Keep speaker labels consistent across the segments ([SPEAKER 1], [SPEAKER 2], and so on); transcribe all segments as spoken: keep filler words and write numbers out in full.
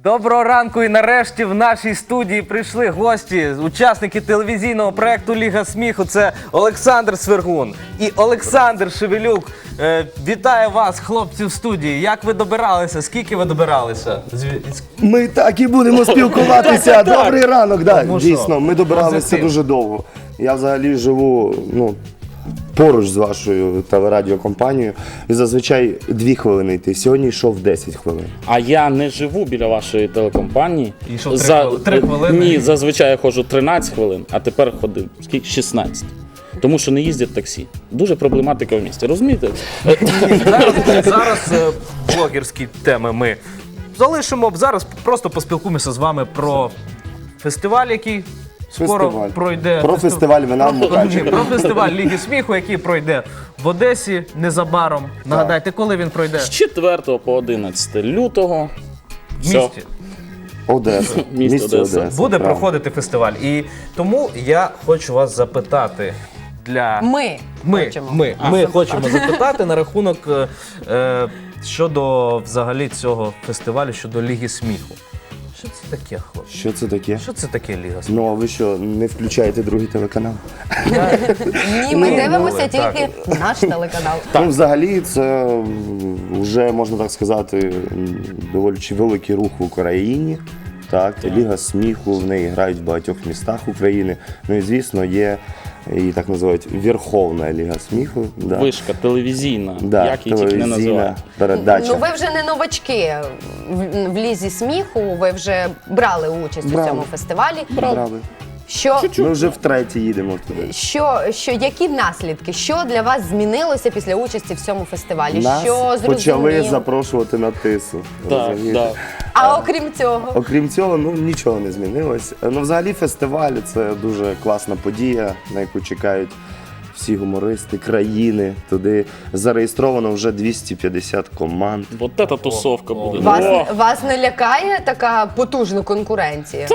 [SPEAKER 1] Доброго ранку, і нарешті в нашій студії прийшли гості, учасники телевізійного проєкту «Ліга сміху». Це Олександр Свергун і Олександр Шевелюк. Е, вітаю вас, хлопці, в студії. Як ви добиралися? Скільки ви добиралися?
[SPEAKER 2] Ми так і будемо спілкуватися. Добрий ранок, да,
[SPEAKER 1] Тому що
[SPEAKER 2] дійсно, ми добиралися
[SPEAKER 1] позитив.
[SPEAKER 2] дуже довго. Я взагалі живу, ну, поруч з вашою телерадіокомпанією, і зазвичай дві хвилини йти. Сьогодні йшов десять хвилин.
[SPEAKER 3] А я не живу біля вашої телекомпанії.
[SPEAKER 1] І йшов три хвили- три хвилини?
[SPEAKER 3] Ні, зазвичай я ходжу тринадцять хвилин, а тепер ходив скільки? шістнадцять. Тому що не їздять таксі. Дуже проблематика в місті, розумієте?
[SPEAKER 1] Зараз, зараз е, блогерські теми ми залишимо. Зараз просто поспілкуємося з вами про фестиваль, який скоро
[SPEAKER 2] Фестиваль.
[SPEAKER 1] пройде.
[SPEAKER 2] Про фестиваль вина в
[SPEAKER 1] Ні,
[SPEAKER 2] Мукачеві.
[SPEAKER 1] про фестиваль Ліги сміху, який пройде в Одесі незабаром. Нагадайте, коли він пройде?
[SPEAKER 3] З четвертого по одинадцяте лютого.
[SPEAKER 1] В
[SPEAKER 3] Все.
[SPEAKER 1] місті.
[SPEAKER 2] Одеса.
[SPEAKER 3] Місто
[SPEAKER 2] Місто
[SPEAKER 3] Одеса.
[SPEAKER 2] Одеса.
[SPEAKER 1] Буде
[SPEAKER 2] правда.
[SPEAKER 1] проходити фестиваль. І тому я хочу вас запитати для...
[SPEAKER 4] Ми,
[SPEAKER 1] Ми,
[SPEAKER 4] хочемо.
[SPEAKER 1] ми, ми хочемо запитати на рахунок е, е, щодо взагалі цього фестивалю, щодо Ліги сміху. Що це таке, хлопці?
[SPEAKER 2] Що це таке?
[SPEAKER 1] Що це таке Ліга сміху?
[SPEAKER 2] Ну, а ви що, не включаєте другий телеканал?
[SPEAKER 4] Ні, ми
[SPEAKER 2] Ну,
[SPEAKER 4] дивимося
[SPEAKER 1] ну, так.
[SPEAKER 4] тільки наш телеканал.
[SPEAKER 2] Ну, взагалі, це вже, можна так сказати, м, доволі чи великий рух в Україні. Так, Ліга сміху, в неї грають в багатьох містах України. Ну і, звісно, є, її так називають, Верховна Ліга сміху. Да.
[SPEAKER 3] Вишка телевізійна,
[SPEAKER 2] Да,
[SPEAKER 3] як її тільки не
[SPEAKER 2] телевізійна
[SPEAKER 3] називають.
[SPEAKER 2] передача.
[SPEAKER 4] Ну ви вже не новачки в, в лізі сміху. Ви вже брали участь
[SPEAKER 2] Брали.
[SPEAKER 4] у цьому фестивалі.
[SPEAKER 2] Брали.
[SPEAKER 4] Що,
[SPEAKER 2] Ми вже втретє їдемо туди.
[SPEAKER 4] що, що які наслідки? Що для вас змінилося після участі в цьому фестивалі?
[SPEAKER 2] Нас
[SPEAKER 4] що
[SPEAKER 2] почали
[SPEAKER 4] зрозуміло?
[SPEAKER 2] запрошувати на тису.
[SPEAKER 3] Так,
[SPEAKER 2] розумієте?
[SPEAKER 3] так.
[SPEAKER 4] А окрім цього,
[SPEAKER 2] Окрім цього, ну нічого не змінилось. Ну, взагалі, фестиваль це дуже класна подія, на яку чекають всі гумористи країни. Туди зареєстровано вже двісті п'ятдесят команд.
[SPEAKER 3] От ця тусовка буде.
[SPEAKER 4] вас,
[SPEAKER 3] О!
[SPEAKER 4] вас не лякає така потужна конкуренція?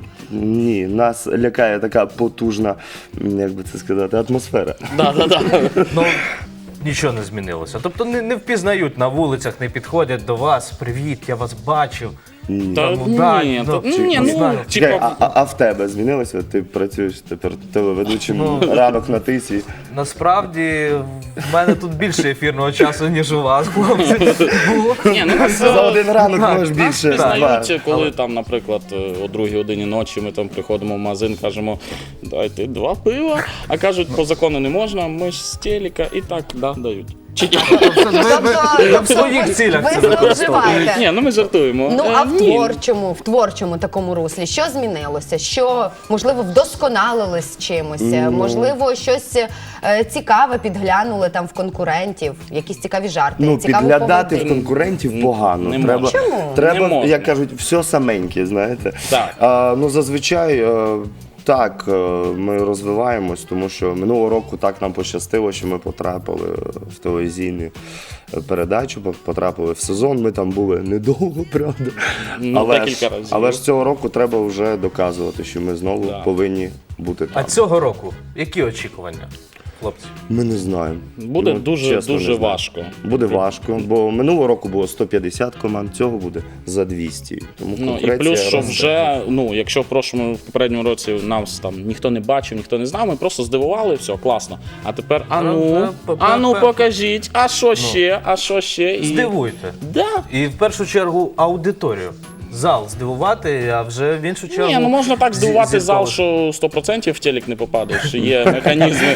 [SPEAKER 2] Ні, нас лякає така потужна, м, як би це сказати, атмосфера.
[SPEAKER 3] Да, да, да.
[SPEAKER 1] Ну, нічого не змінилося. Тобто не, не впізнають на вулицях, не підходять до вас. Привіт, я вас бачив.
[SPEAKER 3] Та
[SPEAKER 1] Ну, да,
[SPEAKER 3] ні,
[SPEAKER 1] ну,
[SPEAKER 3] та-
[SPEAKER 1] чи-
[SPEAKER 3] ні,
[SPEAKER 1] не
[SPEAKER 3] ну,
[SPEAKER 1] знаю.
[SPEAKER 2] Чекай,
[SPEAKER 3] типа,
[SPEAKER 2] а, а, а в тебе змінилося? Ти працюєш тепер телеведучим ранок на тисі.
[SPEAKER 1] Насправді, в мене тут більше ефірного часу, ніж у вас, хлопці. Було.
[SPEAKER 3] ні, ну нас
[SPEAKER 2] За один ранок
[SPEAKER 1] Так,
[SPEAKER 2] можеш більше.
[SPEAKER 3] пізнають,
[SPEAKER 2] два.
[SPEAKER 3] коли там, наприклад, о другій годині ночі ми там приходимо в магазин, кажемо, дайте два пива, а кажуть, по закону не можна, ми ж з телека, і так, да, дають. Чи ні?
[SPEAKER 1] Я в своїх цілях
[SPEAKER 4] ви
[SPEAKER 1] це використовую.
[SPEAKER 4] зловживаєте.
[SPEAKER 3] Ні, ну ми жартуємо.
[SPEAKER 4] Ну
[SPEAKER 3] Е,
[SPEAKER 4] а в
[SPEAKER 3] ні.
[SPEAKER 4] творчому, в творчому такому руслі, що змінилося? Що, можливо, вдосконалились чимось? Можливо, щось е, цікаве підглянули там в конкурентів, якісь цікаві жарти,
[SPEAKER 2] Ну,
[SPEAKER 4] цікаву
[SPEAKER 2] підглядати в
[SPEAKER 4] поведінку?
[SPEAKER 2] конкурентів погано.
[SPEAKER 3] Не
[SPEAKER 2] Треба,
[SPEAKER 3] можна.
[SPEAKER 4] Чому?
[SPEAKER 2] треба
[SPEAKER 3] Не можна.
[SPEAKER 2] як кажуть, все саменьке, знаєте.
[SPEAKER 3] Так.
[SPEAKER 2] А, ну, зазвичай, е, так, е, ми розвиваємось, тому що минулого року так нам пощастило, що ми потрапили в телевізійну передачу, потрапили в сезон. Ми там були недовго, правда.
[SPEAKER 3] Ну,
[SPEAKER 2] але,
[SPEAKER 3] декілька
[SPEAKER 2] ж,
[SPEAKER 3] разів.
[SPEAKER 2] але ж цього року треба вже доказувати, що ми знову
[SPEAKER 3] Да.
[SPEAKER 2] повинні бути
[SPEAKER 1] А
[SPEAKER 2] там.
[SPEAKER 1] цього року які очікування, хлопці?
[SPEAKER 2] Ми не знаємо.
[SPEAKER 3] Буде
[SPEAKER 2] Ну,
[SPEAKER 3] дуже,
[SPEAKER 2] чесно,
[SPEAKER 3] дуже
[SPEAKER 2] не знаю.
[SPEAKER 3] важко.
[SPEAKER 2] Буде важко, бо минулого року було сто п'ятдесят команд, цього буде за двісті. Тому
[SPEAKER 3] Ну і
[SPEAKER 2] конкуренція
[SPEAKER 3] плюс, що
[SPEAKER 2] росте.
[SPEAKER 3] вже, ну, якщо в прошлому, в попередньому році нас там ніхто не бачив, ніхто не знав, ми просто здивували, все, класно. А тепер, а ну, а ну покажіть, а що ще, а що ще. І...
[SPEAKER 1] Здивуйте.
[SPEAKER 3] Да.
[SPEAKER 1] І в першу чергу аудиторію. Зал здивувати, а вже в іншу чергу...
[SPEAKER 3] Ні, ну можна так здивувати
[SPEAKER 1] зі-
[SPEAKER 3] зал,
[SPEAKER 1] зіркових.
[SPEAKER 3] що сто відсотків в телек не попадеш, є механізми.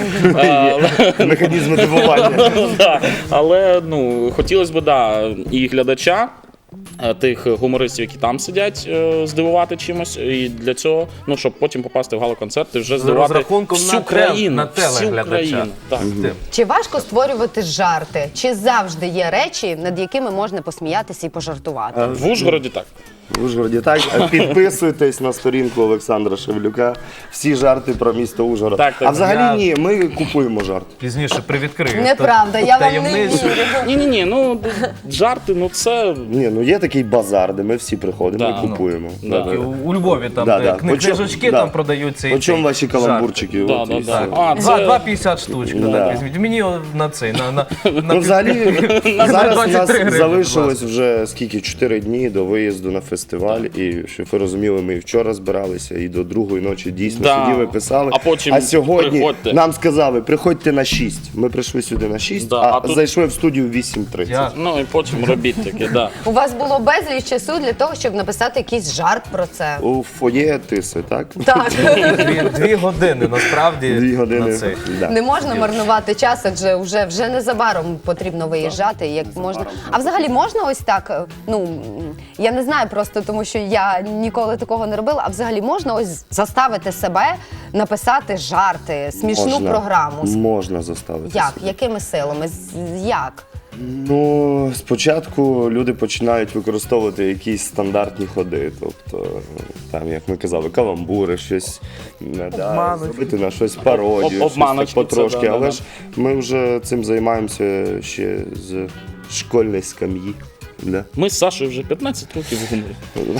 [SPEAKER 3] А,
[SPEAKER 2] Механізми дивування.
[SPEAKER 3] да. Але ну, хотілося б, да, і глядача, е, тих гумористів, які там сидять, е, здивувати чимось. І для цього, ну, щоб потім попасти в гала-концерт і вже здивувати
[SPEAKER 1] розрахунком
[SPEAKER 3] всю
[SPEAKER 1] на теле-
[SPEAKER 3] країну.
[SPEAKER 1] на
[SPEAKER 3] всю
[SPEAKER 1] телеглядача.
[SPEAKER 3] країну. Так.
[SPEAKER 1] Тим.
[SPEAKER 4] Чи важко створювати жарти? Чи завжди є речі, над якими можна посміятися і пожартувати?
[SPEAKER 3] В Ужгороді так.
[SPEAKER 2] В Ужгороді так. Підписуйтесь на сторінку Олександра Шевлюка. Всі жарти про місто Ужгород.
[SPEAKER 3] Так, так.
[SPEAKER 2] А взагалі
[SPEAKER 1] Я-
[SPEAKER 2] ні, ми купуємо жарти.
[SPEAKER 1] Пізніше привідкрию.
[SPEAKER 4] Неправда,
[SPEAKER 1] Та-
[SPEAKER 4] я вам не
[SPEAKER 1] таємницю.
[SPEAKER 4] вірю.
[SPEAKER 3] Ні-ні-ні, ну жарти, ну це.
[SPEAKER 2] Ні, ну є такий базар, де ми всі приходимо
[SPEAKER 3] Да,
[SPEAKER 2] і купуємо.
[SPEAKER 3] ну,
[SPEAKER 2] Да,
[SPEAKER 3] да.
[SPEAKER 2] да.
[SPEAKER 1] І у- У Львові там
[SPEAKER 2] Да,
[SPEAKER 1] де
[SPEAKER 2] да.
[SPEAKER 1] кни-
[SPEAKER 2] По чому-
[SPEAKER 1] книжечки
[SPEAKER 2] да.
[SPEAKER 1] там продаються. і
[SPEAKER 2] По чому
[SPEAKER 1] ці
[SPEAKER 2] ваші
[SPEAKER 1] жарти.
[SPEAKER 2] каламбурчики?
[SPEAKER 3] Да,
[SPEAKER 2] От
[SPEAKER 3] да,
[SPEAKER 2] і
[SPEAKER 3] да.
[SPEAKER 2] все.
[SPEAKER 3] А,
[SPEAKER 1] Два,
[SPEAKER 3] це...
[SPEAKER 1] два п'ятдесят штучки,
[SPEAKER 2] Да.
[SPEAKER 1] так, візьміть. Мені на цей, на, на, на
[SPEAKER 2] Ну, взагалі, зараз у
[SPEAKER 1] двадцять
[SPEAKER 2] нас
[SPEAKER 1] три гривні, будь
[SPEAKER 2] залишилось
[SPEAKER 1] ласка.
[SPEAKER 2] вже скільки, чотири дні до виїзду на фестиваль. фестиваль, і щоб ви розуміли, ми і вчора збиралися, і до другої ночі дійсно
[SPEAKER 3] Да.
[SPEAKER 2] сиділи, писали.
[SPEAKER 3] А потім
[SPEAKER 2] а сьогодні
[SPEAKER 3] приходьте.
[SPEAKER 2] нам сказали, приходьте на шість. Ми прийшли сюди на шість,
[SPEAKER 3] Да,
[SPEAKER 2] а,
[SPEAKER 3] а тут-
[SPEAKER 2] зайшли в студію в вісім тридцять.
[SPEAKER 1] Я-
[SPEAKER 3] Ну і потім робіть таке, да.
[SPEAKER 4] У вас було безліч часу для того, щоб написати якийсь жарт про це.
[SPEAKER 2] У фоє тиси, так?
[SPEAKER 4] Так.
[SPEAKER 1] Дві, дві години насправді
[SPEAKER 2] Дві години.
[SPEAKER 1] на цей.
[SPEAKER 2] Да.
[SPEAKER 4] Не можна марнувати час, адже вже, вже незабаром потрібно виїжджати. Як можна. А взагалі можна ось так? Ну м, я не знаю просто, тому що я ніколи такого не робила. А взагалі можна ось заставити себе написати жарти, смішну
[SPEAKER 2] Можна.
[SPEAKER 4] програму.
[SPEAKER 2] Можна заставити.
[SPEAKER 4] Як?
[SPEAKER 2] себе.
[SPEAKER 4] Якими силами? З- Як?
[SPEAKER 2] Ну, спочатку люди починають використовувати якісь стандартні ходи. Тобто, там, як ми казали, каламбури, щось не, да,
[SPEAKER 1] Обманочки.
[SPEAKER 2] зробити на щось пародію,
[SPEAKER 3] Об-
[SPEAKER 2] щось
[SPEAKER 3] обманочки,
[SPEAKER 2] так потрошки.
[SPEAKER 3] це да, да,
[SPEAKER 2] Але
[SPEAKER 3] да.
[SPEAKER 2] ж ми вже цим займаємося ще з школьної скам'ї. Да.
[SPEAKER 3] Ми з Сашою вже п'ятнадцять років в гуморі.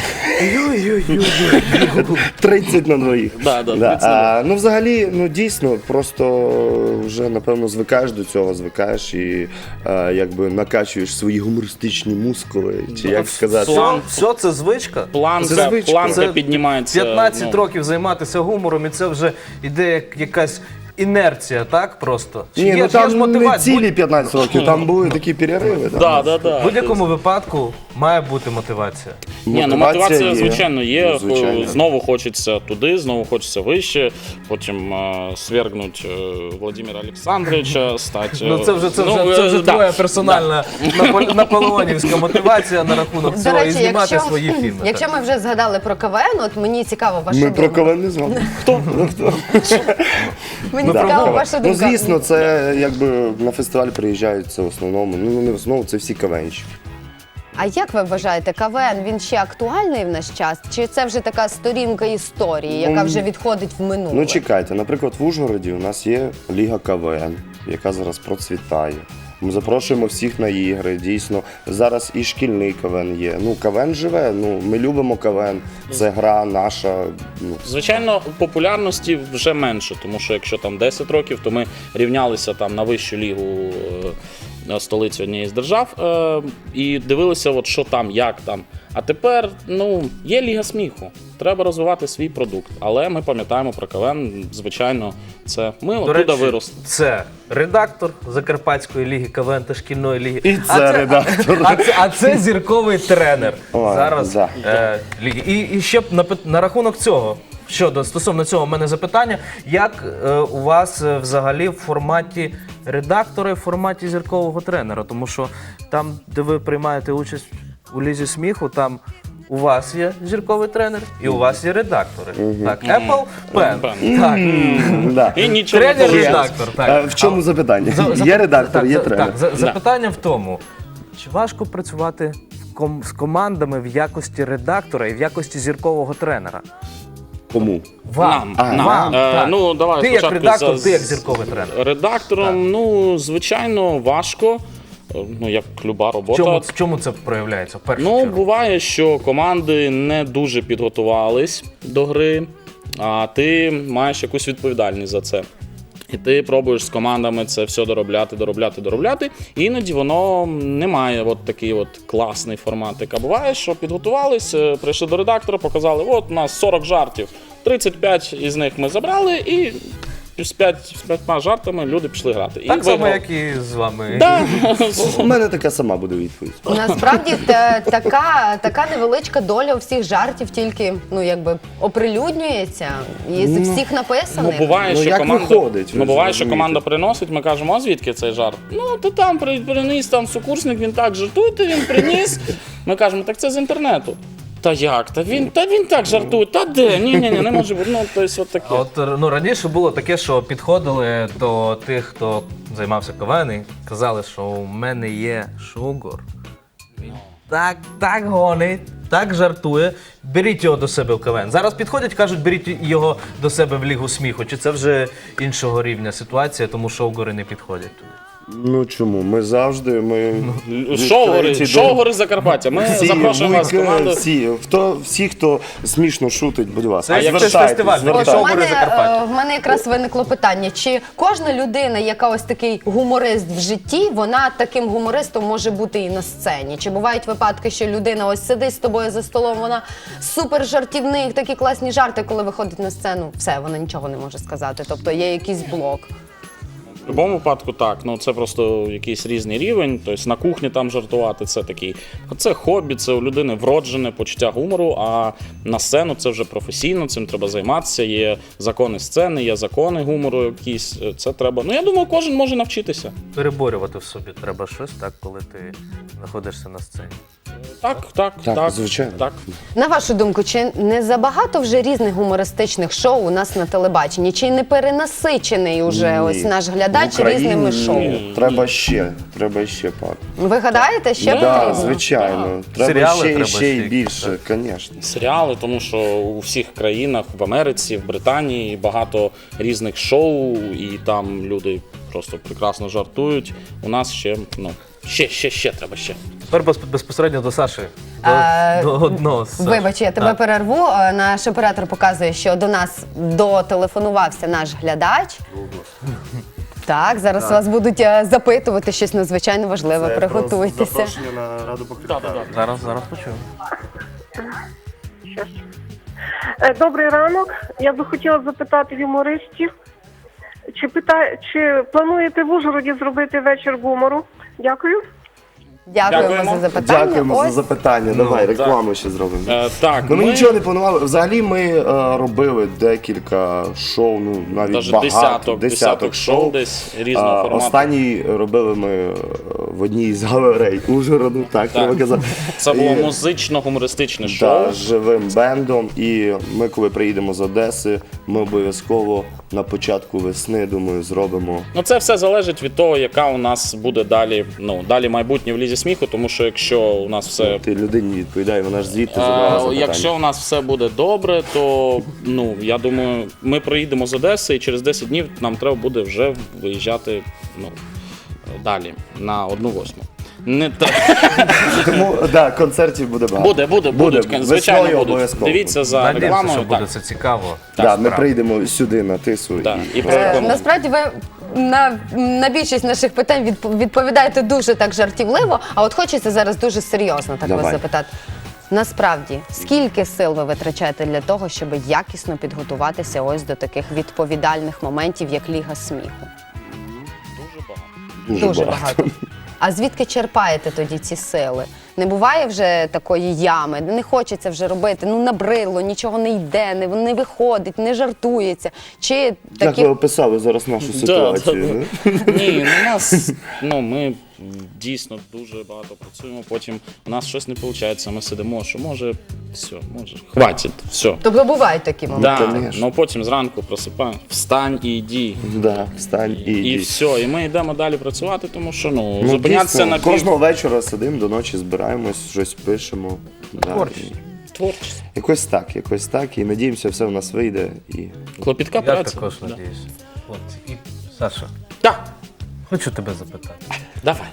[SPEAKER 2] тридцять на двоїх.
[SPEAKER 3] Да, да,
[SPEAKER 2] Да.
[SPEAKER 3] тридцять на
[SPEAKER 2] А, ну, взагалі, ну дійсно, просто вже напевно звикаєш до цього, звикаєш і а, якби накачуєш свої гумористичні мускули, чи як сказати.
[SPEAKER 3] План.
[SPEAKER 1] Все, все це звичка.
[SPEAKER 3] Планка,
[SPEAKER 2] Звичка.
[SPEAKER 3] планка
[SPEAKER 1] Це
[SPEAKER 3] піднімається.
[SPEAKER 1] п'ятнадцять
[SPEAKER 3] ну,
[SPEAKER 1] років займатися гумором, і це вже іде як якась інерція, так просто? Чи
[SPEAKER 2] Ні,
[SPEAKER 1] є-
[SPEAKER 2] ну
[SPEAKER 1] є ж
[SPEAKER 2] там не
[SPEAKER 1] мотивація?
[SPEAKER 2] цілі п'ятнадцять років, там були такі перериви. Там.
[SPEAKER 3] Да, да, да.
[SPEAKER 1] В будь-якому випадку має бути мотивація.
[SPEAKER 3] Ні, ну мотивація,
[SPEAKER 2] є.
[SPEAKER 3] звичайно, є.
[SPEAKER 2] Ну, звичайно.
[SPEAKER 3] Знову хочеться туди, знову хочеться вище. Потім е, свергнуть е, Володимира Олександровича, стати.
[SPEAKER 1] Ну це вже це вже,
[SPEAKER 3] ну,
[SPEAKER 1] це
[SPEAKER 3] е,
[SPEAKER 1] вже
[SPEAKER 3] да.
[SPEAKER 1] твоя персональна напол- наполеонівська мотивація на рахунок
[SPEAKER 4] До
[SPEAKER 1] цього і
[SPEAKER 4] речі,
[SPEAKER 1] знімати
[SPEAKER 4] якщо,
[SPEAKER 1] свої фільми.
[SPEAKER 4] якщо
[SPEAKER 1] так.
[SPEAKER 4] ми вже згадали про КВН, от мені цікаво ваша
[SPEAKER 2] Ми про
[SPEAKER 4] думка.
[SPEAKER 2] КВН не з вами.
[SPEAKER 3] Хто?
[SPEAKER 4] Мені
[SPEAKER 1] Ми про
[SPEAKER 4] цікаво
[SPEAKER 1] КВН.
[SPEAKER 4] ваша
[SPEAKER 2] Ну,
[SPEAKER 4] думка.
[SPEAKER 2] звісно, це якби на фестиваль приїжджають це в основному. Ну, не в основному, це всі КВНщики.
[SPEAKER 4] А як ви вважаєте, КВН він ще актуальний в наш час? Чи це вже така сторінка історії, яка вже відходить в минуле?
[SPEAKER 2] Ну, чекайте, наприклад, в Ужгороді у нас є Ліга КВН, яка зараз процвітає. Ми запрошуємо всіх на ігри. Дійсно, зараз і шкільний КВН є. Ну, КВН живе. Ну, ми любимо КВН. Це гра наша. Ну,
[SPEAKER 3] Звичайно, популярності вже менше, тому що якщо там десять років, то ми рівнялися там на вищу лігу е, столиці однієї з держав е, і дивилися, от що там, як там. А тепер ну, є Ліга сміху. Треба розвивати свій продукт. Але ми пам'ятаємо про КВН, звичайно, це ми
[SPEAKER 1] До
[SPEAKER 3] оттуда
[SPEAKER 1] речі,
[SPEAKER 3] виросли.
[SPEAKER 1] це редактор Закарпатської ліги КВН та шкільної ліги.
[SPEAKER 2] І
[SPEAKER 1] А
[SPEAKER 2] це редактор.
[SPEAKER 1] А це, а це зірковий тренер.
[SPEAKER 2] О,
[SPEAKER 1] Зараз
[SPEAKER 2] да.
[SPEAKER 1] е, ліги. І, і ще б на, пит- на рахунок цього. Щодо стосовно цього, в мене запитання: як е, у вас е, взагалі в форматі редактора і в форматі зіркового тренера? Тому що там, де ви приймаєте участь у лізі сміху, там у вас є зірковий тренер і у вас є редактори. Так, Apple Pen.
[SPEAKER 3] Pen.
[SPEAKER 1] Так.
[SPEAKER 2] да.
[SPEAKER 3] І нічого не
[SPEAKER 1] Тренер,
[SPEAKER 3] вийшло.
[SPEAKER 1] редактор.
[SPEAKER 2] А
[SPEAKER 1] Так.
[SPEAKER 2] в чому запитання?
[SPEAKER 1] За- зап-
[SPEAKER 2] Є редактор,
[SPEAKER 1] так,
[SPEAKER 2] є
[SPEAKER 1] за-
[SPEAKER 2] тренер.
[SPEAKER 1] Так, за- запитання в тому, чи важко працювати в ком- з командами в якості редактора і в якості зіркового тренера?
[SPEAKER 2] Кому?
[SPEAKER 3] Нам,
[SPEAKER 1] Вам.
[SPEAKER 2] А,
[SPEAKER 3] нам.
[SPEAKER 1] Вам,
[SPEAKER 3] Е,
[SPEAKER 1] так.
[SPEAKER 3] ну, давай
[SPEAKER 1] Ти як
[SPEAKER 3] спочатку
[SPEAKER 1] редактор,
[SPEAKER 3] за-
[SPEAKER 1] ти як зірковий тренер.
[SPEAKER 3] Редактором, ну, звичайно, важко. Е, Ну, як люба
[SPEAKER 1] В
[SPEAKER 3] робота.
[SPEAKER 1] чому, в чому це проявляється в першу
[SPEAKER 3] Ну,
[SPEAKER 1] чергу?
[SPEAKER 3] буває, що команди не дуже підготувались до гри, а ти маєш якусь відповідальність за це. І ти пробуєш з командами це все доробляти, доробляти, доробляти. І іноді воно не має от такий от класний форматик. А буває, що підготувались, е, прийшли до редактора, показали, от у нас сорок жартів, тридцять п'ять із них ми забрали, і з п'ять- з п'ятьма жартами люди пішли грати. І
[SPEAKER 1] Так само,
[SPEAKER 3] виграли.
[SPEAKER 1] як і з вами.
[SPEAKER 3] Да.
[SPEAKER 2] У мене така сама буде відповідь.
[SPEAKER 4] Насправді та, така, така невеличка доля у всіх жартів тільки ну якби оприлюднюється і з всіх
[SPEAKER 3] Ну,
[SPEAKER 4] написаних.
[SPEAKER 3] буває,
[SPEAKER 2] Ну,
[SPEAKER 3] що
[SPEAKER 2] як
[SPEAKER 3] команда,
[SPEAKER 2] виходить, ви
[SPEAKER 3] ну, буває, що
[SPEAKER 2] розумієте.
[SPEAKER 3] команда приносить, ми кажемо, а звідки цей жарт? Ну, ти там при- приніс там сукурсник, він так жартує, він приніс. Ми кажемо, так це з інтернету. Та як? Та він, та він так жартує, та де? Ні, ні, ні, не може бути. Ну, тобто, от таке.
[SPEAKER 1] А От ну раніше було таке, що підходили до тих, хто займався КВН, і казали, що у мене є шугор. Він так, так гонить, так жартує. Беріть його до себе в КВН. Зараз підходять, кажуть, беріть його до себе в Лігу сміху. Чи це вже іншого рівня ситуація, тому шоугори не підходять туди?
[SPEAKER 2] Ну чому? Ми завжди, ми
[SPEAKER 3] Шоу гори,
[SPEAKER 2] відкриті
[SPEAKER 3] шоу
[SPEAKER 2] до-
[SPEAKER 3] гори Закарпаття. Ми
[SPEAKER 2] Всі,
[SPEAKER 3] запрошуємо вас в
[SPEAKER 2] будь-
[SPEAKER 3] команду.
[SPEAKER 2] Всі, хто, всі, хто смішно шутить, будь ласка,
[SPEAKER 1] Це як
[SPEAKER 2] звертайтесь,
[SPEAKER 1] щось фестивальне,
[SPEAKER 2] звертайтесь.
[SPEAKER 1] Шоу
[SPEAKER 4] в
[SPEAKER 1] «Гори
[SPEAKER 4] мене,
[SPEAKER 1] Закарпаття».
[SPEAKER 4] е, в мене якраз виникло питання, чи кожна людина, яка ось такий гуморист в житті, вона таким гумористом може бути і на сцені? Чи бувають випадки, що людина ось сидить з тобою за столом, вона супер жартівник, такі класні жарти, коли виходить на сцену, все, вона нічого не може сказати, тобто є якийсь блок.
[SPEAKER 3] В будь-якому випадку так. Ну це просто якийсь різний рівень. Тобто на кухні там жартувати це такий. Це хобі, це у людини вроджене почуття гумору. А на сцену це вже професійно, цим треба займатися. Є закони сцени, є закони гумору якісь. Це треба. Ну я думаю, кожен може навчитися.
[SPEAKER 1] Переборювати в собі треба щось, так, коли ти знаходишся на сцені.
[SPEAKER 3] Так, так,
[SPEAKER 2] Так,
[SPEAKER 3] так.
[SPEAKER 2] звичайно.
[SPEAKER 3] Так.
[SPEAKER 4] На вашу думку, чи не забагато вже різних гумористичних шоу у нас на телебаченні? Чи не перенасичений уже
[SPEAKER 2] Ні.
[SPEAKER 4] ось наш
[SPEAKER 2] В
[SPEAKER 4] глядач
[SPEAKER 2] Україні
[SPEAKER 4] різними шоу?
[SPEAKER 2] ні. Треба ще, треба ще, пак.
[SPEAKER 4] Ви гадаєте, ще
[SPEAKER 2] Да,
[SPEAKER 4] потрібно?
[SPEAKER 2] звичайно. Треба
[SPEAKER 1] Серіали
[SPEAKER 2] ще, і
[SPEAKER 1] треба
[SPEAKER 2] ще
[SPEAKER 1] ще
[SPEAKER 2] і
[SPEAKER 1] якісь,
[SPEAKER 2] більше, звісно.
[SPEAKER 3] Серіали, тому що у всіх країнах, в Америці, в Британії багато різних шоу, і там люди просто прекрасно жартують. У нас ще, ну, ще, ще, ще треба ще.
[SPEAKER 1] Тепер без- безпосередньо до Саши. До,
[SPEAKER 4] А,
[SPEAKER 1] до одного з Саш.
[SPEAKER 4] Вибач, я тебе
[SPEAKER 1] Так.
[SPEAKER 4] перерву. Е, Наш оператор показує, що до нас дотелефонувався наш глядач. Так, зараз вас будуть е, запитувати щось надзвичайно важливе. Приготуйтеся.
[SPEAKER 2] на Раду покриття.
[SPEAKER 1] Зараз, зараз почуємо.
[SPEAKER 5] Е, Добрий ранок. Я би хотіла запитати юмористів, чи пита... чи плануєте в Ужгороді зробити вечір гумору? Дякую.
[SPEAKER 4] Дякуємо,
[SPEAKER 3] Дякуємо.
[SPEAKER 4] за запитання.
[SPEAKER 2] Дякуємо за
[SPEAKER 4] Ось
[SPEAKER 2] запитання. Давай, рекламу ще зробимо.
[SPEAKER 3] Е, так,
[SPEAKER 2] Ну, ми нічого не планували. Взагалі ми е, робили декілька шоу, ну навіть
[SPEAKER 3] Даже
[SPEAKER 2] багато,
[SPEAKER 3] десяток, десяток шоу десь різного
[SPEAKER 2] А,
[SPEAKER 3] формату.
[SPEAKER 2] Останній робили ми е, в одній з галерей Ужгороду, так, треба казати.
[SPEAKER 3] Це було
[SPEAKER 2] І-
[SPEAKER 3] музично-гумористичне шоу.
[SPEAKER 2] та, з живим бендом. І ми, коли приїдемо з Одеси, ми обов'язково на початку весни, думаю, зробимо.
[SPEAKER 3] Ну це все залежить від того, яка у нас буде далі, ну, далі майбутнє в лізі сміху, тому що якщо у нас все
[SPEAKER 2] Ти людині відповідає, вона ж звідти
[SPEAKER 3] Е,
[SPEAKER 2] забрала запитання.
[SPEAKER 3] Якщо у нас все буде добре, то ну я думаю, ми приїдемо з Одеси і через десять днів нам треба буде вже виїжджати ну, далі на одну восьму. Не та...
[SPEAKER 2] Тому да, концертів буде багато.
[SPEAKER 3] Буде, буде,
[SPEAKER 2] Буде.
[SPEAKER 3] будуть, звичайно,
[SPEAKER 2] Весною
[SPEAKER 3] будуть.
[SPEAKER 2] обов'язково.
[SPEAKER 3] Дивіться за
[SPEAKER 1] Надіємося, що
[SPEAKER 3] рекламою.
[SPEAKER 1] буде
[SPEAKER 3] Так,
[SPEAKER 1] це цікаво.
[SPEAKER 2] Да, ми
[SPEAKER 1] Справді.
[SPEAKER 2] прийдемо сюди на тису
[SPEAKER 3] так.
[SPEAKER 2] і
[SPEAKER 3] І
[SPEAKER 4] Е,
[SPEAKER 3] прорекламуємо.
[SPEAKER 4] Насправді ви на, на більшість наших питань відп- відповідаєте дуже так жартівливо, а от хочеться зараз дуже серйозно так вас
[SPEAKER 2] Давай.
[SPEAKER 4] запитати. Насправді, скільки сил ви витрачаєте для того, щоб якісно підготуватися ось до таких відповідальних моментів, як Ліга сміху?
[SPEAKER 3] Дуже багато.
[SPEAKER 2] дуже,
[SPEAKER 4] Дуже
[SPEAKER 2] багато.
[SPEAKER 4] багато. А звідки черпаєте тоді ці сили? Не буває вже такої ями, не хочеться вже робити, ну набридло, нічого не йде, не, не виходить, не жартується. Чи
[SPEAKER 2] Як
[SPEAKER 4] такі
[SPEAKER 2] ви описали зараз нашу ситуацію?
[SPEAKER 3] да,
[SPEAKER 2] ну?
[SPEAKER 3] Ні, ну, у нас ну ми дійсно дуже багато працюємо. Потім у нас щось не виходить. Ми сидимо, що може, все, може, хватить, все.
[SPEAKER 4] Тобто бувають такі моменти?
[SPEAKER 3] Да,
[SPEAKER 2] конечно.
[SPEAKER 3] ну потім зранку просипаємо, встань і йди.
[SPEAKER 2] Да, встань і
[SPEAKER 3] І
[SPEAKER 2] йди.
[SPEAKER 3] все, і ми йдемо далі працювати, тому що ну,
[SPEAKER 2] Ну,
[SPEAKER 3] зупинятися
[SPEAKER 2] дійсно,
[SPEAKER 3] на пів...
[SPEAKER 2] кожного вечора сидимо до ночі, збираємось, щось пишемо. Да,
[SPEAKER 1] Творчість.
[SPEAKER 2] і
[SPEAKER 3] творчість.
[SPEAKER 2] Якось так, якось так. І надіємося, все в нас вийде. І...
[SPEAKER 3] Клопітка
[SPEAKER 1] Я
[SPEAKER 3] праця.
[SPEAKER 1] також
[SPEAKER 3] Да.
[SPEAKER 1] надіюся. От, і Саша,
[SPEAKER 3] Так,
[SPEAKER 1] хочу тебе запитати.
[SPEAKER 3] давай.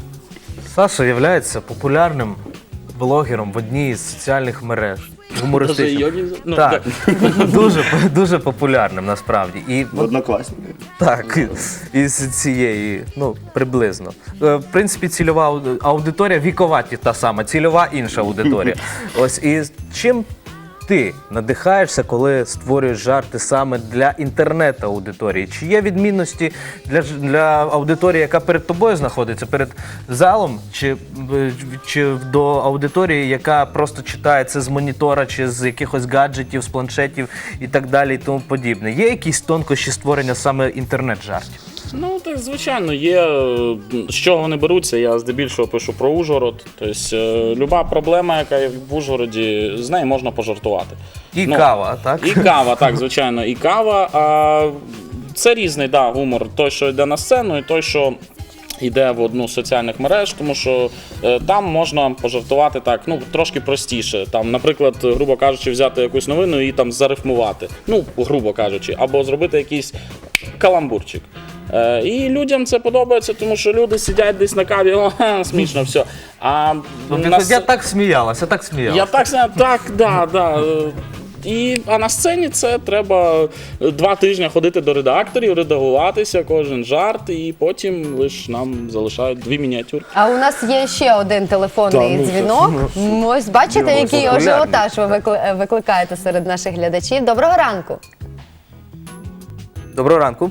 [SPEAKER 1] Саша є популярним блогером в одній із соціальних мереж. Гумористичним.
[SPEAKER 3] Даже йоги- ну,
[SPEAKER 1] Так, дуже, дуже популярним насправді. І от
[SPEAKER 2] Однокласники.
[SPEAKER 1] так, із цієї, ну, приблизно. Е, В принципі, цільова ауди- аудиторія вікова ті- та сама, цільова інша аудиторія. Ось і чим ти надихаєшся, коли створюєш жарти саме для інтернет-аудиторії? Чи є відмінності для, ж- для аудиторії, яка перед тобою знаходиться, перед залом, чи, е, чи до аудиторії, яка просто читає це з монітора, чи з якихось гаджетів, з планшетів і так далі, і тому подібне? Є якісь тонкощі створення саме інтернет-жартів?
[SPEAKER 3] Ну, так, звичайно, є. е, З чого вони беруться, я здебільшого пишу про Ужгород. Тобто, е, люба проблема, яка є в Ужгороді, з нею можна пожартувати.
[SPEAKER 1] І
[SPEAKER 3] Ну,
[SPEAKER 1] кава, так?
[SPEAKER 3] І кава, так, звичайно, і кава. А це різний да, гумор. Той, що йде на сцену, і той, що йде в одну з соціальних мереж, тому що е, там можна пожартувати так, ну, трошки простіше. Там, наприклад, грубо кажучи, взяти якусь новину і там зарифмувати. Ну, грубо кажучи, або зробити якийсь каламбурчик. Е, і людям це подобається, тому що люди сидять десь на каві, о, ха, смішно, все. А
[SPEAKER 1] Тобто,
[SPEAKER 3] на
[SPEAKER 1] Я
[SPEAKER 3] с-
[SPEAKER 1] так сміялася, я так сміялася.
[SPEAKER 3] я так знаю, так, да, да. е, І, а на сцені це треба два тижні ходити до редакторів, редагуватися, кожен жарт, і потім лише нам залишають дві мініатюрки.
[SPEAKER 4] А у нас є ще один телефонний
[SPEAKER 2] Та, ну,
[SPEAKER 4] дзвінок. Ось бачите,
[SPEAKER 2] Дивимося,
[SPEAKER 4] який
[SPEAKER 1] популярний.
[SPEAKER 4] ажіотаж ви викли- викликаєте серед наших глядачів. Доброго ранку.
[SPEAKER 1] Доброго ранку.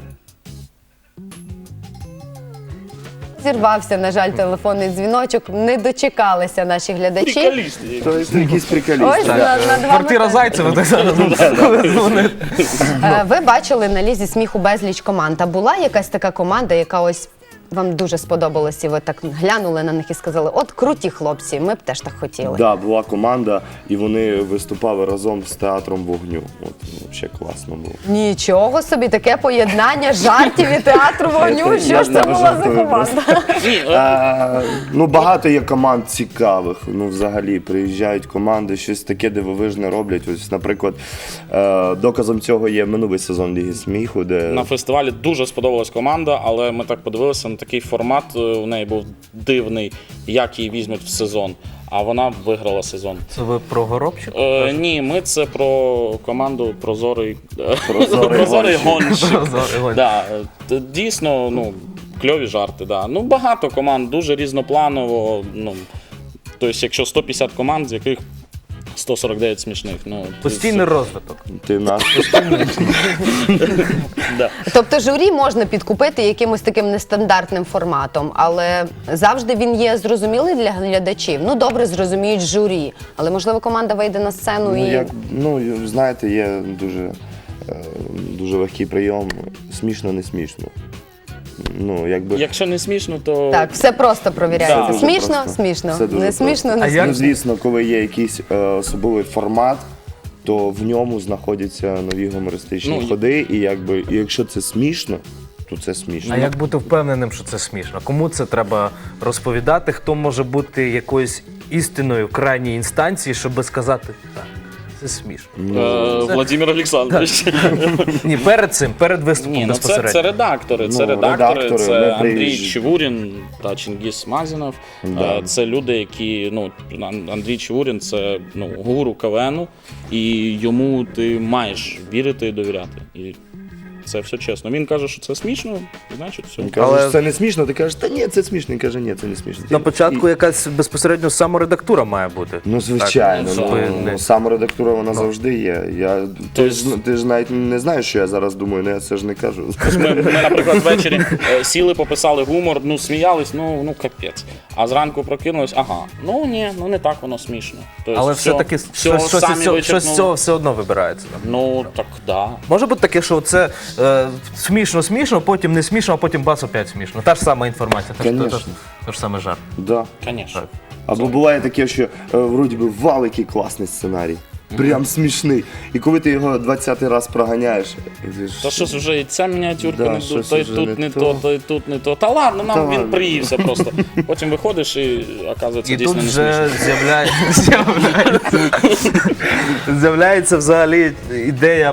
[SPEAKER 4] Зірвався, на жаль, телефонний дзвіночок. Не дочекалися наші глядачі.
[SPEAKER 3] Приколісти.
[SPEAKER 2] Тобто якийсь приколіст.
[SPEAKER 4] Ось над, над вами
[SPEAKER 1] Квартира Зайцева так зараз дзвонить.
[SPEAKER 4] Е, Ви бачили на лізі сміху безліч команд. А була якась така команда, яка ось вам дуже сподобалась, і ви так глянули на них і сказали: от круті хлопці, ми б теж так хотіли.
[SPEAKER 2] Да, була команда, і вони виступали разом з театром вогню. От взагалі класно було.
[SPEAKER 4] Нічого собі, таке поєднання жартів і театру вогню.
[SPEAKER 2] Це
[SPEAKER 4] Що
[SPEAKER 2] я
[SPEAKER 4] ж це
[SPEAKER 2] не
[SPEAKER 4] була за
[SPEAKER 2] жартую
[SPEAKER 4] команда?
[SPEAKER 3] Ні, е,
[SPEAKER 2] Е, ну, багато є команд цікавих. Ну, взагалі, приїжджають команди, щось таке дивовижне роблять. Ось, наприклад, е, доказом цього є минулий сезон Ліги сміху, де
[SPEAKER 3] на фестивалі дуже сподобалась команда, але ми так подивилися на такий формат. е, У неї був дивний, як її візьмуть в сезон. А вона виграла сезон.
[SPEAKER 1] Це ви про Горобчик?
[SPEAKER 3] Е, ні, ми це про команду Прозорий,
[SPEAKER 2] Прозорий
[SPEAKER 3] Прозорий
[SPEAKER 2] гонщик.
[SPEAKER 3] гонщик.
[SPEAKER 1] Прозорий гонщик.
[SPEAKER 3] Да, е, дійсно, ну, кльові жарти. Да. Ну, багато команд, дуже різнопланово. Ну, тобто, якщо сто п'ятдесят команд, з яких сто сорок дев'ять смішних. Ну,
[SPEAKER 1] Постійний розвиток.
[SPEAKER 2] ти наш.
[SPEAKER 3] Да.
[SPEAKER 4] Тобто журі можна підкупити якимось таким нестандартним форматом, але завжди він є зрозумілий для глядачів. Ну, добре, зрозуміють журі, але можливо команда вийде на сцену
[SPEAKER 2] Ну,
[SPEAKER 4] і
[SPEAKER 2] як, ну, знаєте, є дуже, е, дуже легкий прийом. Смішно, не смішно. Ну, якби...
[SPEAKER 3] Якщо не смішно, то
[SPEAKER 4] так, все просто провіряється.
[SPEAKER 3] Да.
[SPEAKER 4] Смішно,
[SPEAKER 2] Просто.
[SPEAKER 4] смішно,
[SPEAKER 2] Все дуже
[SPEAKER 4] не смішно,
[SPEAKER 2] просто.
[SPEAKER 4] не
[SPEAKER 1] А
[SPEAKER 4] смішно.
[SPEAKER 1] як-
[SPEAKER 2] Ну, звісно, коли є якийсь е, особливий формат, то в ньому знаходяться нові гумористичні
[SPEAKER 3] Ну,
[SPEAKER 2] ходи, і якби, і якщо це смішно, то це смішно.
[SPEAKER 1] А як бути впевненим, що це смішно? Кому це треба розповідати? Хто може бути якоюсь істиною крайньої інстанції, щоб сказати, так, це смішно?
[SPEAKER 3] е, Владимир Олександрович.
[SPEAKER 1] Ні, перед цим, перед виступом
[SPEAKER 3] Ні, ну це,
[SPEAKER 1] безпосередньо.
[SPEAKER 3] це редактори. Це
[SPEAKER 2] Ну,
[SPEAKER 3] редактори,
[SPEAKER 2] редактори,
[SPEAKER 3] це
[SPEAKER 2] не
[SPEAKER 3] Андрій
[SPEAKER 2] приїжджі.
[SPEAKER 3] Чевурін та Чингіс Мазінов.
[SPEAKER 2] Да.
[SPEAKER 3] Е, Це люди, які, ну, Ан- Андрій Чевурін це ну, гуру КВНу, і йому ти маєш вірити і довіряти. І це все чесно. Він каже, що це смішно, значить все.
[SPEAKER 2] Він каже,
[SPEAKER 1] Але-
[SPEAKER 2] що це не смішно, ти кажеш, та ні, це смішно. Він каже, ні, це не смішно.
[SPEAKER 1] На початку
[SPEAKER 2] І-
[SPEAKER 1] якась безпосередньо саморедактура має бути.
[SPEAKER 2] Ну, звичайно,
[SPEAKER 1] Так,
[SPEAKER 2] ну,
[SPEAKER 1] ви
[SPEAKER 2] ну,
[SPEAKER 1] не-
[SPEAKER 2] саморедактура вона завжди є. Я, ти, ж, ти ж навіть не знаєш, що я зараз думаю, ну я це ж не кажу.
[SPEAKER 3] Ми, ми, наприклад, ввечері е, сіли, пописали гумор, ну сміялись, ну, ну капець. А зранку прокинулись, ага, ну ні, ну не так воно смішно. Тобто,
[SPEAKER 1] Але
[SPEAKER 3] все-
[SPEAKER 1] все-таки
[SPEAKER 3] все
[SPEAKER 1] щось, щось,
[SPEAKER 3] самі
[SPEAKER 1] із цього- щось з
[SPEAKER 3] вичерпнули.
[SPEAKER 1] цього все одно вибирається.
[SPEAKER 3] Ну так, да.
[SPEAKER 1] Може бути таке, що це е, смішно, смішно, потім не смішно, а потім бац опять смішно. Та ж сама інформація, та ж, та,
[SPEAKER 2] Конечно.
[SPEAKER 1] ж, та ж саме жарт.
[SPEAKER 2] Да.
[SPEAKER 3] Звісно.
[SPEAKER 2] Або буває таке, що е, вроді би вал, який класний сценарій. Прям смішний. І коли ти його двадцятий раз проганяєш, і ти ж-
[SPEAKER 3] Та щось вже і ця мініатюрка
[SPEAKER 2] Да,
[SPEAKER 3] не то,
[SPEAKER 2] щось
[SPEAKER 3] то й
[SPEAKER 2] вже
[SPEAKER 3] тут
[SPEAKER 2] не
[SPEAKER 3] не
[SPEAKER 2] то.
[SPEAKER 3] то, то й тут не то. Та ладно, нам
[SPEAKER 2] Та
[SPEAKER 3] він
[SPEAKER 2] ладно.
[SPEAKER 3] приївся просто. Потім виходиш і оказується
[SPEAKER 1] І
[SPEAKER 3] дійсно
[SPEAKER 1] тут
[SPEAKER 3] не
[SPEAKER 1] вже
[SPEAKER 3] смішно.
[SPEAKER 1] з'являє- з'являється, з'являється взагалі ідея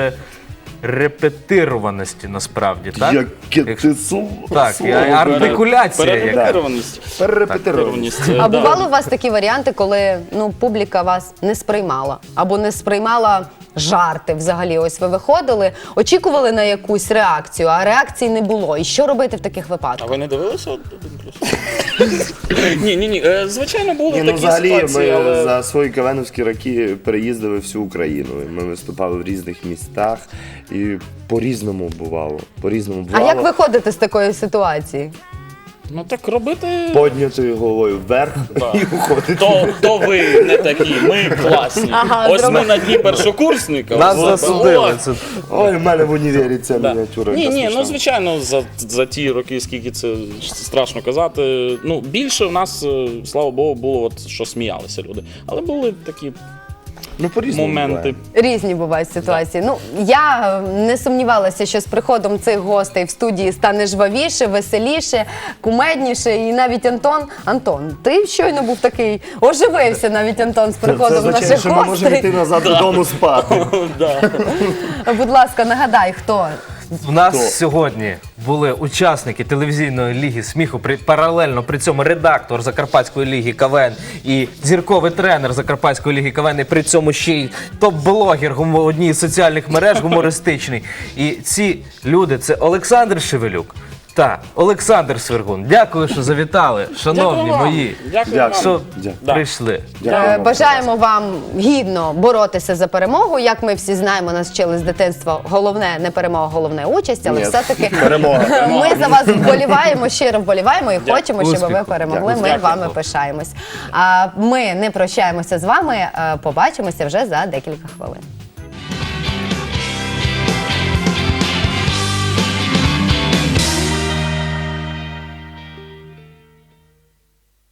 [SPEAKER 1] перерепетированості насправді, так?
[SPEAKER 2] Яке
[SPEAKER 1] Якщо-
[SPEAKER 2] ти слово.
[SPEAKER 1] Так, і
[SPEAKER 2] слово.
[SPEAKER 1] артикуляція. яка.
[SPEAKER 3] Перерепетированість.
[SPEAKER 2] Перерепетированість.
[SPEAKER 3] Перерепетированість,
[SPEAKER 4] А
[SPEAKER 3] да.
[SPEAKER 4] бували у вас такі варіанти, коли ну публіка вас не сприймала або не сприймала жарти взагалі? Ось ви виходили, очікували на якусь реакцію, а реакції не було. І що робити в таких
[SPEAKER 3] А
[SPEAKER 4] випадках?
[SPEAKER 3] ви не дивилися один плюс? Ні, ні, ні. е, Звичайно, були
[SPEAKER 2] Ні, ну,
[SPEAKER 3] такі
[SPEAKER 2] взагалі,
[SPEAKER 3] ситуації,
[SPEAKER 2] ми
[SPEAKER 3] але...
[SPEAKER 2] за свої кавеновські роки переїздили всю Україну. І ми виступали в різних містах і по-різному бувало. По-різному
[SPEAKER 4] А
[SPEAKER 2] бувало.
[SPEAKER 4] як виходити з такої ситуації?
[SPEAKER 3] Ну так робити...
[SPEAKER 2] Поднятою головою вверх і уходити.
[SPEAKER 3] То, то ви не такі, ми класні.
[SPEAKER 4] Ага,
[SPEAKER 3] Ось
[SPEAKER 4] зроби-
[SPEAKER 3] ми на дні першокурсника.
[SPEAKER 1] Нас
[SPEAKER 3] От,
[SPEAKER 1] засудили.
[SPEAKER 3] о,
[SPEAKER 1] Це
[SPEAKER 2] Ой, в мене в універі ця
[SPEAKER 3] Да.
[SPEAKER 2] мініатюра.
[SPEAKER 3] Ні,
[SPEAKER 2] яка
[SPEAKER 3] ні,
[SPEAKER 2] смішна.
[SPEAKER 3] ну звичайно, за, за ті роки, скільки це страшно казати. Ну, більше в нас, е, слава Богу, було, от, що сміялися люди. Але були такі
[SPEAKER 2] Ну, по-різному
[SPEAKER 3] моменти.
[SPEAKER 2] буває.
[SPEAKER 4] Різні бувають ситуації. Ну я е, не сумнівалася, що з приходом цих гостей в студії стане жвавіше, веселіше, кумедніше. І навіть Антон, Антон, ти щойно був такий, оживився навіть Антон з
[SPEAKER 2] Це
[SPEAKER 4] приходом
[SPEAKER 2] означає,
[SPEAKER 4] наших
[SPEAKER 2] що ми можемо йти
[SPEAKER 4] гостей.
[SPEAKER 2] назад додому спати.
[SPEAKER 3] Да.
[SPEAKER 4] Будь ласка, нагадай, хто
[SPEAKER 1] У нас
[SPEAKER 2] То.
[SPEAKER 1] сьогодні були учасники телевізійної ліги сміху, при, паралельно при цьому редактор Закарпатської ліги КВН і зірковий тренер Закарпатської ліги КВН, і при цьому ще й топ-блогер гумо- одній з соціальних мереж гумористичний. І ці люди – це Олександр Шевелюк та Олександр Свергун. Дякую, що завітали, шановні
[SPEAKER 3] Дякую вам.
[SPEAKER 1] мої,
[SPEAKER 3] Дякую
[SPEAKER 2] Дякую.
[SPEAKER 3] вам.
[SPEAKER 1] що
[SPEAKER 2] Дякую.
[SPEAKER 1] прийшли.
[SPEAKER 2] Дякую
[SPEAKER 4] Е,
[SPEAKER 2] вам.
[SPEAKER 4] Бажаємо вам гідно боротися за перемогу. Як ми всі знаємо, нас вчили з дитинства. Головне не перемога, головне участь, але
[SPEAKER 2] Ні,
[SPEAKER 4] все-таки
[SPEAKER 2] перемога.
[SPEAKER 4] ми за вас вболіваємо, щиро вболіваємо і хочемо, щоб ви
[SPEAKER 1] Успіху.
[SPEAKER 4] перемогли.
[SPEAKER 2] Дякую.
[SPEAKER 4] Ми
[SPEAKER 2] Дякую.
[SPEAKER 4] вами пишаємось. А ми не прощаємося з вами. е, Побачимося вже за декілька хвилин.